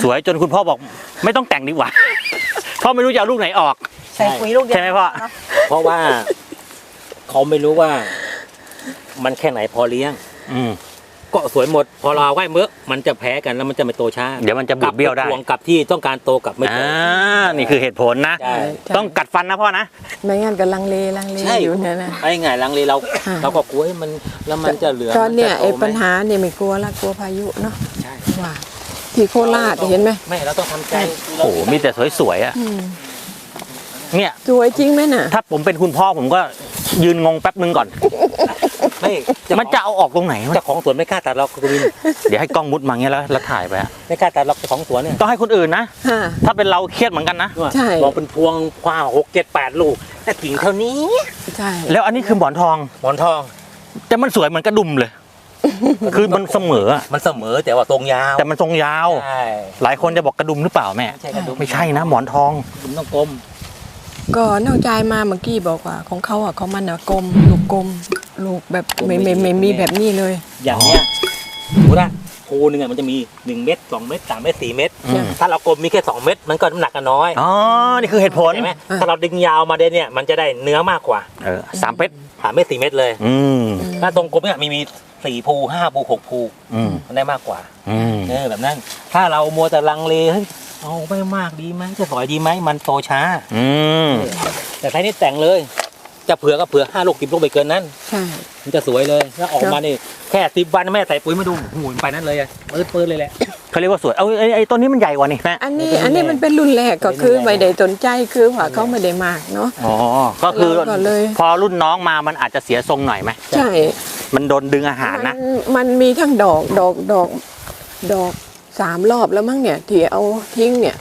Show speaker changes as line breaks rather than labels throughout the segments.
สวยจนคุณพ่อบอกไม่ต้องแต่งดีกว่าพ่อไม่รู้จะเอาลูกไหนออก
ใส่ปุ๋ยลูกเดียว
ใช่ไหมพ่อ
เพราะว่าเขาไม่รู้ว่ามันแค่ไหนพอเลี้ยงก็สวยหมดพอเราไหวเมื่อมันจะแพ้กันแล้วมันจะไม่โตช้า
เดี๋ยวมันจะบูดเบี้ยวได้
วงกับที่ต้องการโตกับไม่โต
นี่คือเหตุผลนะต้องกัดฟันนะพ่อนะ
ไม่งั้นก็ลังเลอยู่เนี่ยนะ
ไอ้ไงลังเลเราก็กลัวให้มันแล้วมันจะเหลือ
ตอนเนี้ยไอ้ปัญหาเนี่ยไม่กลัวละกลัวพายุเนาะใช่ว่าที่โคราชเห็นไหม
ไม่เราต้องทำใจ
โอ้โหมีแต่สวยๆอ่ะเนี่ย
สวยจริงไหมน่ะ
ถ้าผมเป็นคุณพ่อผมก็ยืนงงแป๊บนึงก่อน
ไม่
มันจะเอาออกตรงไหน
เจ้าของสวนไม่กล้าตัดเราคุณวิน
เดี๋ยวให้กล้องมุดมาเงี้ยแล้วถ่ายไป
ไม่กล้าตัดเราเจ้าของสวนเนี่ย
ต้องให้คนอื่นนะถ้าเป็นเราเครียดเหมือนกันนะ
ใช่
มองเป็นพวงคว้า6 7 8 ลูกแต่กิ่งเท่านี้
ใช่
แล้วอันนี้คือหมอนทองแต่มันสวยเหมือนกระดุมเลยคือมันเสมอ
แต่ว่าทรงยาว
แต่มันทรงยาวหลายคนจะบอกกระดุมหรือเปล่าแม่ไม่ใช่นะหมอนทอง
มันต้องกลม
ก็น้องใจมาเมื่อกี้บอกว่าของเขาอ่ะเขามันอ่ะกลมลูกแบบไม่มีแบบนี้เลย
อย่างเนี้ยดูนะภูนึงอ่ะมันจะมี1 เม็ด2 เม็ด3 เม็ด4 เม็ดถ้าเรากลมมีแค่2 เม็ดมันก็น้ำหนักกันน้อย
นี่คือเหตุผล
ใช่ไหมถ้าเราดึงยาวมาเนี่ยมันจะได้เนื้อมากกว่า
3 เม็ด
3 เม็ด4 เม็ดเลยถ้าตรงกลมเนี่ยมี4 ภู5 ภู6 ภูมันได้มากกว่าแบบนั้นถ้าเรามัวแต่ลังเลเอาไม่มากดีไหมจะสอยดีไหมมันโตช้าแต่ใช้นี่แต่งเลยจะเผื่อก็เผื่อ5 ลูก10 ลูกไปเกินนั้น
ใช่
มันจะสวยเลยแล้วออกมานี่แค่10 วันแม่ใส่ปุ๋ยมาดูหูไปนั้นเลยปื้ดเลยแหละ
เขาเรียกว่าสวยเอาไอ้ต้นนี้มันใหญ่กว่านี่แม่
อันนี้มันเป็นรุ่นแรกก็คือไม่ได้สนใจคือว่าเขาไม่ได้มากเนาะ
ก็คือพอรุ่นน้องมามันอาจจะเสียทรงหน่อยไหม
ใช่
มันโดนดึงอาหารนะ
มันมีทั้งดอก3 รอบแล้วมั้งเนี่ยที่เอาทิ้งเนี่ย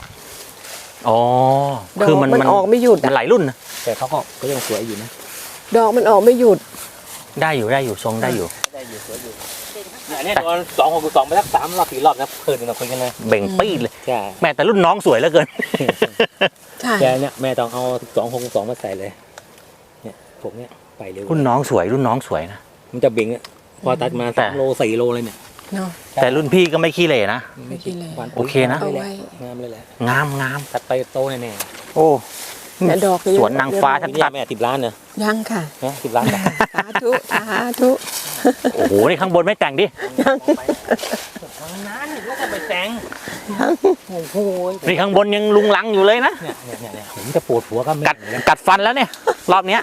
คือมัน
ออกไม่หยุด
มันหลายรุ่นนะ
แต่เขาก็ยังสวยอยู่นะ
ดอกมันออกไม่หยุด
ได้อยู่ทรงได้อยู่
สวยอยู่เนี่ยตอน2 6 2ไปสัก3 รอบ 4 รอบนะเพลินเราคุยกันเลย
เบ่งปี้เลยแม่แต่รุ่นน้องสวยเหลือเกิน
ใช่
แกเนี่ยแม่ต้องเอา2 6 2มาใส่เลยเนี่ยผมเนี่ยไปเร็ว
รุ่นน้องสวยนะ
มันจะเบ่งพอตัดมา3 โล 4 โลเลยเนี่ย
แต่รุ่นพี่ก็ไม่ขี้เหร่นะโอเคนะ
งามเลยแหละ
งาม
ตัดไปโตแน่
โอ้
ดอก
สวนนางฟ้าทั้งตัด
แม่10 ล้านเนอะ
ยังค่ะ
10 ล้าน
สาธุ
โอ้โหนี่ข้างบนไม่แต่งดิ
ทางนั้นแล้วก็ไปแต่งโอ้โห
นี่ข้างบนยังลุงลังอยู่เลยนะ
เนี่ยผมจะปวดหัวก็
กัดฟันแล้วเนี่ยรอบเนี้ย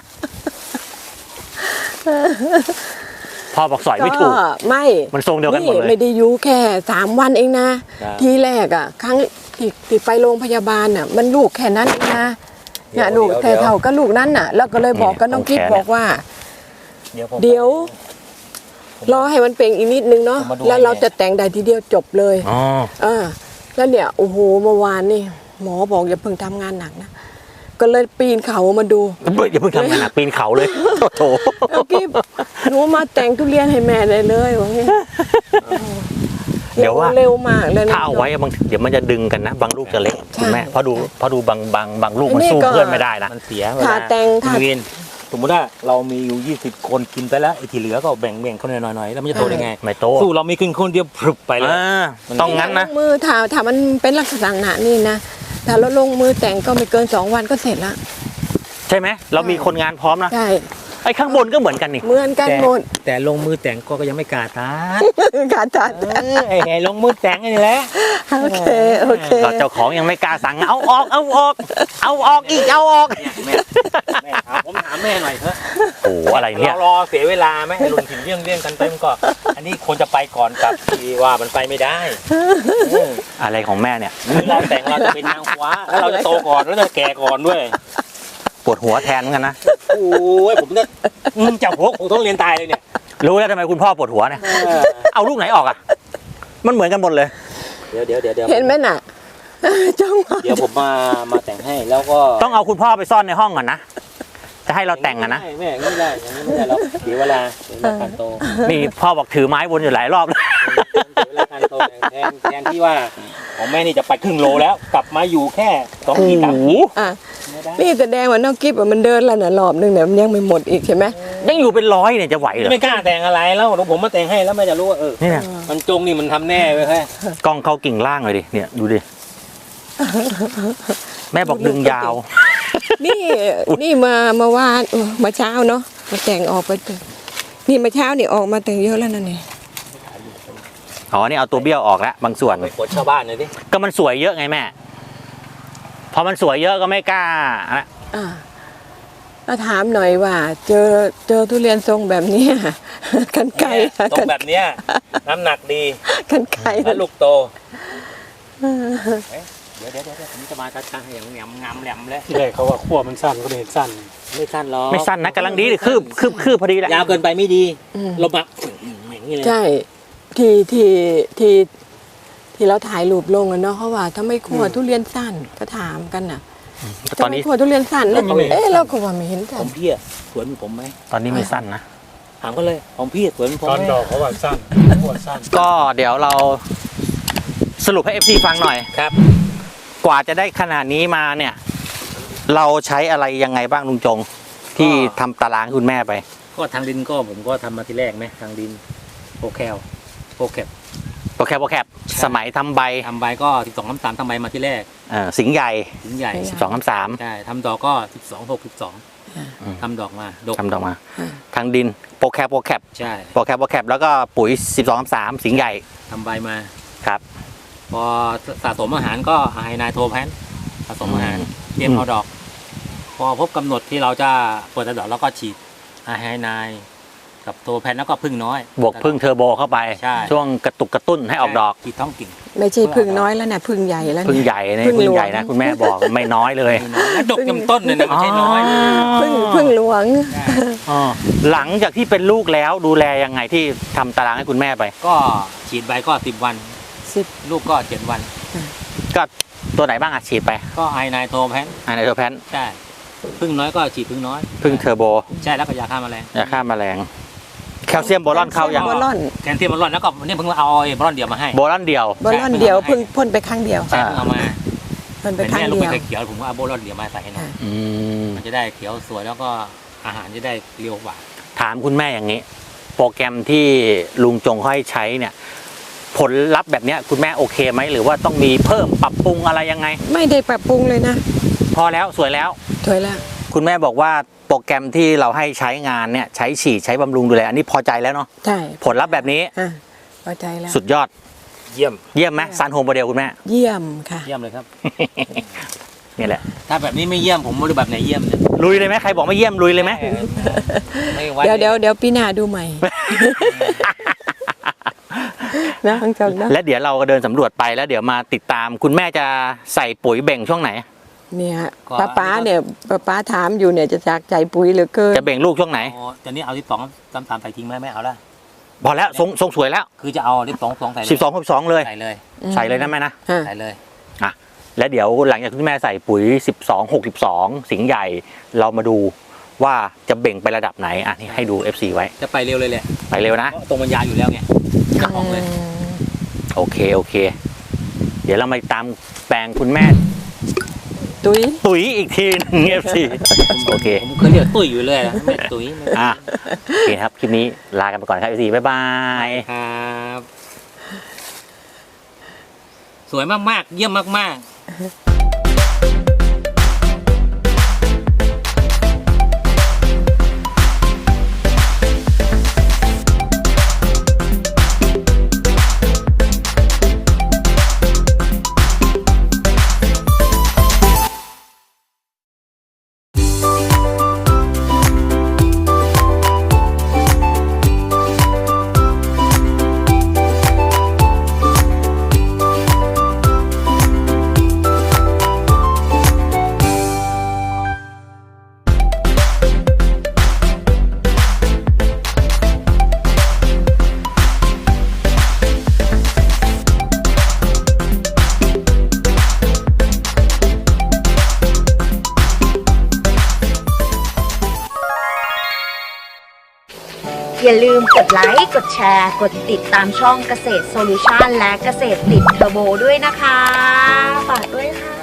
พ่อบอกสอยไม่ถูก
ไม่
มันทรงเดียวกันหมดเลย
ไม่ได้อยู่แค่3 วันเองนะทีแรกอ่ะครั้งที่ไปโรงพยาบาลน่ะมันลูกแค่นั้นเองนะเนี่ยลูกแค่เท่าก็ลูกนั้นน่ะแล้วก็เลยบอกกับน้องกิ๊บบอกว่าเดี๋ยวรอให้มันเป่งอีกนิดนึงเนาะแล้วเราจะแต่งได้ทีเดียวจบเลยแล้วเนี่ยโอ้โหเมื่อวานนี่หมอบอกอย่าเพิ่งทำงานหนักนะก็เลยปีนเขามาดู
อย่าเพิ่งทำงานหนักปีนเขาเลยโถ
น้องกิ๊บหนูมาแต่งทุเรียนให้แม่ได้เลยว่างี้
เดี๋ยวว่า
เร็วมากเลยนะ
ถ้าเอาไว้บางเดี๋ยวมันจะดึงกันนะบางลูกจะเล็กคุณแม่พอดูบางลูกมันสู้เพื่อนไม่ได้นะ
มันเสีย
ถ้าแต่ง
สมมติว่าเรามีอยู่20 คนกินไปแล้วไอ้ที่เหลือก็แบ่งเขาหน่อยแล้วมันจะโตได้ไง
ไม่โต
สู้เรามีคนเดียวพรึบไปเลย
ต้องงั้นนะ
มือถ้ามันเป็นลักษณะนี่นะถ้าเราลงมือแต่งก็ไม่เกิน2 วันก็เสร็จละ
ใช่ไหมเรามีคนงานพร้อมนะ
ใช่
ไอ้ข้างบนก็เหมือนกันนี่
เหมือนกันหมด
แต่ลงมือแต่งก็ยังไม่กล้าตัดไอ้ลงมือแต่งนี่แหละ
โอเค
เจ้าของยังไม่กล้าสั่งเอาออกอีก
แม่ผมถามแม่หน่อยเถอะ
โอ้อะไรเนี่ย
รอเสียเวลาไหมให้ลุงถิ่นเลี่ยงกันเต็มก็อันนี้ควรจะไปก่อนกับที่ว่ามันไปไม่ได้
อะไรของแม่เนี่ย
เราแต่งเราจะเป็นนางฟ้าแล้วเราจะโตก่อนแล้วจะแก่ก่อนด้วย
ปวดหัวแทนกันนะ
โอ้ยผมเนี่ยจับหัวผมต้องเรียนตายเลยเนี่ย
รู้แล้วทำไมคุณพ่อปวดหัวเนี่ยเอาลูกไหนออกอ่ะมันเหมือนกันหมดเลย
เดี๋ยว
เห็นไหมน่ะ
เดี๋ยวผมมาแต่งให้แล้วก็
ต้องเอาคุณพ่อไปซ่อนในห้องก่อนนะจะให้เราแต่งอ่ะนะ
ไม่ได้อย่างนี้ไม่ได้แล้วเดี๋ยวเวลาการโต
นี่พ่อบอกถือไม้วนอยู่หลายรอบแล้ว
เวลาการโตแทนที่ว่าของแม่นี่จะไปครึ่งโลแล้วกลับมาอยู่แค่2 ขีด 3 ขีด
นี่แสดงว่าน้องกิ๊บมันเดินแล้วน่ะรอบนึงเนี่ยมันยังไม่หมดอีกใช่ไหม
ยังอยู่เป็นร้อยเนี่ยจะไหวเหรอ
ไม่กล้าแต่งอะไรแล้วเดี๋ยวผมมาแต่งให้แล้วแม่จะรู้ว่า
นี่นะ
มันจงนี่มันทำแน่ไปแค่
กล้องเข้ากิ่งล่างเลยดิเนี่ยดูดิแม่บอกดึงยาว
นี่มาว่ามาเช้าเนาะมาแต่งออกไปเถอะนี่มาเช้านี่ออกมาแต่งเยอะแล้วนั่นนี่
อ๋อนี่เอาตัวเบี้ยวออกแล้วบางส่วน
ไปกดชาวบ้านเลยดิ
ก็มันสวยเยอะไงแม่พอมันสวยเยอะก็ไม่กล้าอะ
แล้วถามหน่อยว่า เจอทุเรียนทรงแบบนี้ กันไกล
ตรงแบบเนี้ยน้ำหนักดี
กันไกล
และลูกโตเดี๋ยวผมจะมาจัดการให้อย่างงามแหลมเลย
ที่แรกเขาว่าขั้วมันสั้นก็เลยเห็นสั้น
ไม่สั้นหรอก
ไม่สั้นนะกำลังดีเลยคืบพอดีแหละ
ยาวเกินไปไม่ดีลมอ่ะอย่างนี้เลย
ใช่ที่เราถ่ายรูปลงอะเนาะเขาว่าถ้าไม่คั่วทุเรียนสั้นก็ถามกันน่ะ
ตอนนี้
ทำไมคั่วทุเรียนสั้นแล้วเราก็ว่าไม่เห็น
ข
สั้
อน งพี่อะสวนผมไหม
ตอนนี้ไม่สั้นนะ
ถามก็เลยของพี่สวนผม
ตอน
ไหม
ดอกเขาว่าสั้นขั้วสั้น
ก็เดี๋ยวเราสรุปให้ FC ฟังหน่อย
ครับ
กว่าจะได้ขนาดนี้มาเนี่ย เราใช้อะไรยังไงบ้างลุงจง ที่ทำตารางให้คุณแม่ไป
ก็ทางดินก็ผมก็ทำมาที่แรกไหมทางดินโปรแคลโปรแคป
โปรแคปสมัยทำใบ
ทำใบก็12-3ทำใบมาที่แรก
สิงห์ใหญ่
ถึงใหญ่
12-3
ใช่ทำดอกก็12-6-12ทำดอกมาดก
ทำดอกมา ทางดินโปรแคป
ใช่
แล้วก็ปุ๋ย 12-3 สิงห์ใหญ่
ทำใบมา
ครับ
พอสะสมอาหารก็ไฮนายโทแพนสะสมอาหารเตรียมเอาดอก พอพบกำหนดที่เราจะเปิดดอกแล้วก็ฉีดไฮนายกับโทแพนแล้วก็พึ่งน้อย
บวกพึ่งเทอร์โบเข้าไป
ใช่
ช่วงกระตุกกระตุ้นให้ออกดอก
ฉีดท้องกิ่ง
ไม่ใช่พึ่งน้อยแล้วนะพึ่งใหญ่แล้ว
พึ่ง
เนี่ย
ใหญ่เนี่ย
พึ่ง
พึ่ง
หลวง
ใหญ่นะคุณแม่บอกไม่น้อยเลย
แล้วดกจำต้นเลยนะไม่ใช่น้อย
พึ่งหลวง
อ๋อหลังจากที่เป็นลูกแล้วดูแลยังไงที่ทำตารางให้คุณแม่ไป
ก็ฉีดใบก็10 วัน
10
ลูกก็7 วัน
ก็ตัวไหนบ้างอะฉีดไป
ก็ไฮนายโทแพน
อันไหนตัวแพน
ใช่พึ่งน้อยก็ฉีดพึ่งน้อย
พึ่งเทอร์โบ
ใช่แล้วก็ยาฆ่าแมลง
ยาฆ่าแมลงแคลเซียมโบรอนเข้ายัง
โบรอน
แคนเทียมบอลลอนแล้วก็นี่เพิ่งเอาไอ้บอลลอนเดียวมาให้
โบรอนเดียว
โบรอนเดียวเพิ่งพ่นไปครั้งเดียว
ใช่เพิ่งเอามา
พ่นไป
เป็น
ครั้ง
แม่ลูก
เดี
ไม่
ยว
เคยเขียวผมก็เอาโบลลอนเดียวมาใส่ให้หน่อย
อืม
มันจะได้เขียวสวยแล้วก็อาหารจะได้เรียวกว่า
ถามคุณแม่อย่างนี้ โปรแกรมที่ลุงจงให้ใช้เนี่ย ผลลัพธ์แบบเนี้ยคุณแม่โอเคไหมหรือว่าต้องมีเพิ่มปรับปรุงอะไรยังไง
ไม่ได้ปรับปรุงเลยนะ
พอแล้วสวยแล้ว
ถอยแล้ว
คุณแม่บอกว่าโปรแกรมที่เราให้ใช้งานเนี่ยใช้ฉีดใช้บำรุงดูแลอันนี้พอใจแล้วเนาะ
ใช่
ผลลัพธ์แบบนี้
พอใจแล้ว
สุดยอด
เยี่ยม
เยี่ยมไหมซันโฮมโมเดลคุณแม่
เยี่ยมค่ะ
เยี่ยมเลยครับ
นี่แหละ
ถ้าแบบนี้ไม่เยี่ยมผมไม่รู้แบบไหนเยี่ยมเนี่ย
ลุยเลยไหมใครบอกไม่เยี่ยมลุยเลยไหม
ไม่วัด
เดี๋ยวปีหน้าดูใหม่ นะทั้งจงนะ
และเดี๋ยวเราก็เดินสำรวจไปแล้วเดี๋ยวมาติดตามคุณแม่จะใส่ปุ๋ยเบ่งช่วงไหน
เนี่ยป้าเนี่ยป้าถามอยู่เนี่ยจะจากใจปุ๋ยเหลือเกิน
จะเบ่งลูกช่วงไหน
อ๋อตอนนี้เอา12-3ใส่ทิ้งไหมไม่เอาละ
พอแล้วทรงสวยแล้ว
คือจะเอา12ใส่เลย
12เลย
ใส่เลย
ใส่เลยนะแม่นะ
ใส่เลย
และเดี๋ยวหลังจากที่แม่ใส่ปุ๋ย12-62 สิงห์ใหญ่เรามาดูว่าจะเบ่งไประดับไหนอ่ะนี่ให้ดู FC ไว้
จะไปเร็วเลยแหละ
ไปเร็วนะ
เพราะตรงมันยาวอยู่แล้วไงจะออกเลย
โอเค เดี๋ยวเรามาตามแปลงคุณแม่
ตุ้ย
ตุ๋ยอีกทีหนึง FC โอเค
ผมเคยเรียกตุ้ยอยู่เลยนะไม่ตุ้ยไม่
อ่ะโอเคครับ คลิปนี้ลากันไปก่อนครับ FC บ๊ายบาย
ครับสวยมากๆเยี่ยมมากๆ
อย่าลืมกดไลค์ กดแชร์ กดติดตามช่องเกษตรโซลูชันและเกษตรติดเทอร์โบด้วยนะคะ ฝากด้วยค่ะ